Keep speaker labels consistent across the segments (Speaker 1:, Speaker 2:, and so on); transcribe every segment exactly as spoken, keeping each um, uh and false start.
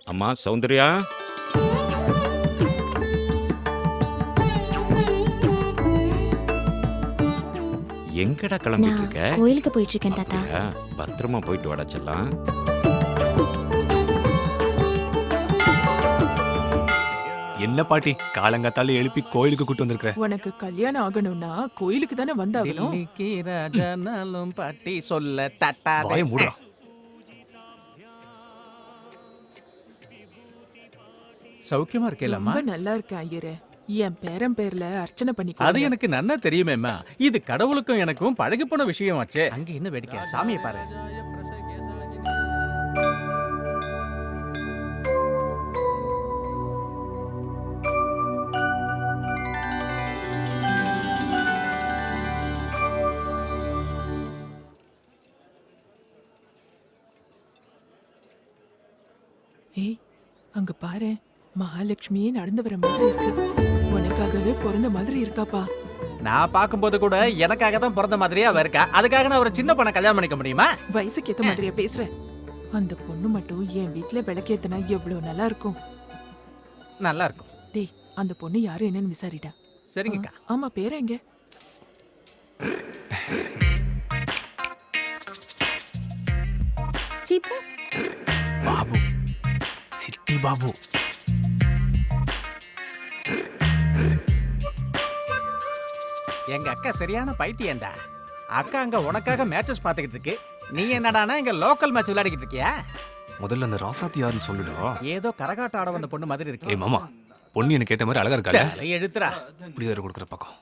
Speaker 1: அம்மா சௌந்தர்யா, எங்கடா கிளம்பிட்டு இருக்க?
Speaker 2: கோயிலுக்கு போயிட்டு இருக்கேன் தாத்தா.
Speaker 1: பத்திரமா போயிட்டு வாடா செல்லம்.
Speaker 3: என்ன பாட்டி காலங்காத்தால எழுப்பி கோயிலுக்கு கூட்டு வந்திருக்க?
Speaker 4: உனக்கு கல்யாணம் ஆகணும்னா கோயிலுக்கு தானே வந்தாகணும்.
Speaker 5: தில்லிக்கு ராஜானாலும் பாட்டி சொல்ல தட்டாதே.
Speaker 3: வாய மூடுடா.
Speaker 5: சௌக்கியமா இருக்கேலம்மா?
Speaker 4: ரொம்ப நல்லா இருக்கேன் ஐயரே. என் பேரன் பேர்ல அர்ச்சனை பண்ணி
Speaker 5: அது எனக்கு நன்னா தெரியுமேம்மா. இது கடவுளுக்கும் எனக்கும் பழகி போன விஷயமாச்சே. அங்க என்ன வேடிக்கை, சாமியை பாரு.
Speaker 4: ஏய், அங்க பாரு, மகாலட்சுமியே நடந்து வர மாதிரி இருக்கு. உனக்காகவே பிறந்த மாதிரி இருக்காப்பா.
Speaker 5: நான் பார்க்கும்போது கூட எனக்காக தான் பிறந்த மாதிரியே அவ இருக்கா. அதுக்காக நான் ஒரு சின்ன பொண்ணை கல்யாணம் பண்ணிக்க முடியுமா?
Speaker 4: வயசுக்கு ஏத்த மாதிரியா பேசுற? அந்த பொண்ணு மட்டும் என் வீட்டுல விளக்கேத்தனா எவ்வளவு நல்லா இருக்கும்.
Speaker 5: நல்லா இருக்கும்.
Speaker 4: டேய், அந்த பொண்ணு யாரு என்னன்னு விசாரிடா.
Speaker 5: சரிங்கக்கா.
Speaker 4: ஆமா, பேர எங்க?
Speaker 3: பாபு, சிட்டி பாபு.
Speaker 5: எங்க அக்கா சரியான பைத்தியம்டா. அக்கா அங்க உனக்காக மேட்சஸ் பாத்துக்கிட்டு இருக்கு. நீ என்னடானா இங்க லோக்கல் மேட்ச் விளையாடிக்கிட்டு இருக்கியா?
Speaker 3: முதல்ல அந்த ராசாத்தி யாருன்னு சொல்லுடா.
Speaker 5: ஏதோ கரகாட்ட ஆட வந்த பொண்ணு மாதிரி இருக்கு.
Speaker 3: ஏய் மாமா, பொண்ணு எனக்கு ஏத்த மாதிரி அழகா இருக்கால?
Speaker 5: தலை எழுத்துறா.
Speaker 3: இப்படி வேற கொடுக்குற பக்கம்.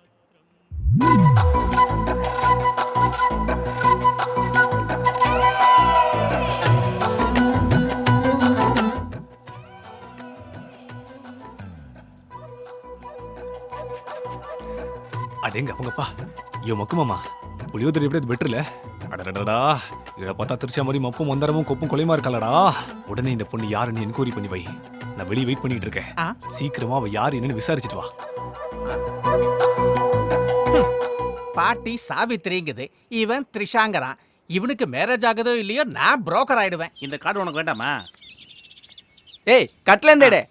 Speaker 3: அதேங்க அவங்கப்பா, ஐயோ மக்கு மாமா, புளியோதரை எப்படி பெட்டர் இல்ல? அடடடா, இதை பார்த்தா திருச்சா மாதிரி மப்பும் மந்தரமும் கொப்பும் கொலைமா இருக்காளடா. உடனே இந்த பொண்ணு யாருன்னு என்கொயரி பண்ணி வை. நான் வெளியே வெயிட் பண்ணிட்டு இருக்கேன்.
Speaker 5: ஆ?
Speaker 3: சீக்கிரமா அவ யாரு என்னன்னு விசாரிச்சுட்டு வா.
Speaker 5: பாட்டி சாவித்திரிங்குது, இவன் த்ரிஷாங்கரான். இவனுக்கு மேரேஜ் ஆகுதோ இல்லையோ நான் புரோக்கர் ஆயிடுவேன்.
Speaker 6: இந்த கார்டு உனக்கு வேண்டாமா?
Speaker 7: ஏய் கட்லேந்தேடே.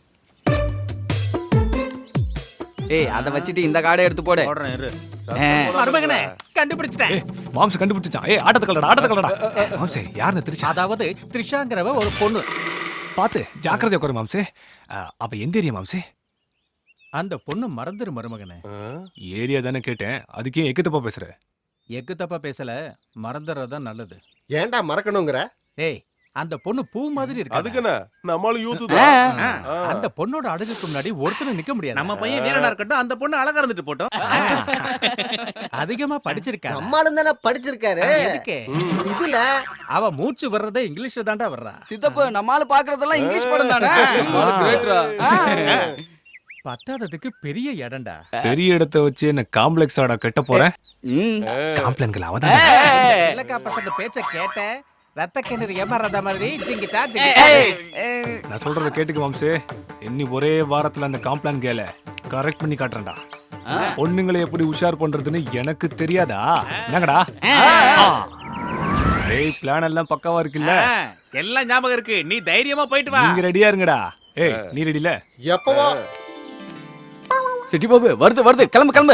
Speaker 7: ஏய் அத வச்சிட்டு இந்த கார்டை எடுத்து போடு.
Speaker 6: போடுறேன் இரு.
Speaker 5: மருமகனே கண்டுபிடிச்சிட்டேன்.
Speaker 3: ஏய் மாம்ஸ் கண்டுபிடிச்சான். ஏய் ஆட்டத்தை கலடா, ஆட்டத்தை கலடா. மாம்சே யாருன்னு திருச்சா?
Speaker 5: அதாவது த்ரிஷாங்கிறவ ஒரு பொண்ணு.
Speaker 3: பாத்து ஜாக்கிரதையா உட்காரு மாம்சே. அப்ப எந்த ஏரியா மாம்சே?
Speaker 5: அந்த பொண்ணு மறந்துரு மருமகனே.
Speaker 3: ஏரியா தானே கேட்டேன், அதுக்கே எக்கு தப்பா பேசுற?
Speaker 5: எக்கு தப்பா பேசல, மறந்துறதுதான் நல்லது.
Speaker 8: ஏன்டா மறக்கணுங்கிற?
Speaker 5: ஏய், அந்த பொண்ணு பூ மாதிரி இருக்கு.
Speaker 8: அதுக்குன்னு நம்மளும் யூத் தான்.
Speaker 5: அந்த பொண்ணோட அழகுக்கு முன்னாடி ஒருத்தரும் நிக்க முடியாது.
Speaker 6: நம்ம பையன் வீரனா இருக்கட்டும், அந்த பொண்ணு அழகா இருந்துட்டு போட்டோம்.
Speaker 5: அதிகமா படிச்சிருக்கா.
Speaker 8: நம்மளும் தானே படிச்சிருக்காரு.
Speaker 5: எதுக்கு?
Speaker 8: இதுல
Speaker 5: அவ மூச்சு வர்றதே இங்கிலீஷ்ல தான்டா வர்றா.
Speaker 7: சித்தப்பு நம்மால பாக்குறதெல்லாம் இங்கிலீஷ் படம் தானே.
Speaker 5: பத்தாததுக்கு பெரிய இடம்டா.
Speaker 3: பெரிய இடத்தை வச்சு என்ன காம்ப்ளெக்ஸ் ஆடா கட்ட போறேன்? காம்ப்ளெக்ஸ்கள் அவதான்.
Speaker 5: இல்லக்கா பசங்க பேச்ச கேட்ட ரத்த கிணறு ஏமாறத மாதிரி ஜிங்கிச்சா ஜிங்கி.
Speaker 3: நான் சொல்றத கேட்டுக்கு மாம்சே. இன்னி ஒரே வாரத்துல அந்த காம்ப்ளான் கேல கரெக்ட் பண்ணி காட்டுறேன்டா. பொண்ணுங்களை எப்படி உஷார் பண்றதுன்னு எனக்கு தெரியாதா? என்னங்கடா? ஏய் பிளான் எல்லாம் பக்காவா இருக்குல்ல?
Speaker 6: எல்லாம் ஞாபகம் இருக்கு. நீ தைரியமா போயிட்டு வா.
Speaker 3: நீங்க ரெடியா இருங்கடா. ஏய் நீ ரெடி இல்ல?
Speaker 8: எப்பவோ
Speaker 7: சிட்டி பாபு வருது வருது, கிளம்பு கிளம்பு.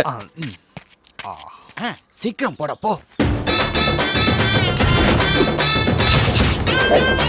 Speaker 7: சீக்கிரம் போட போ.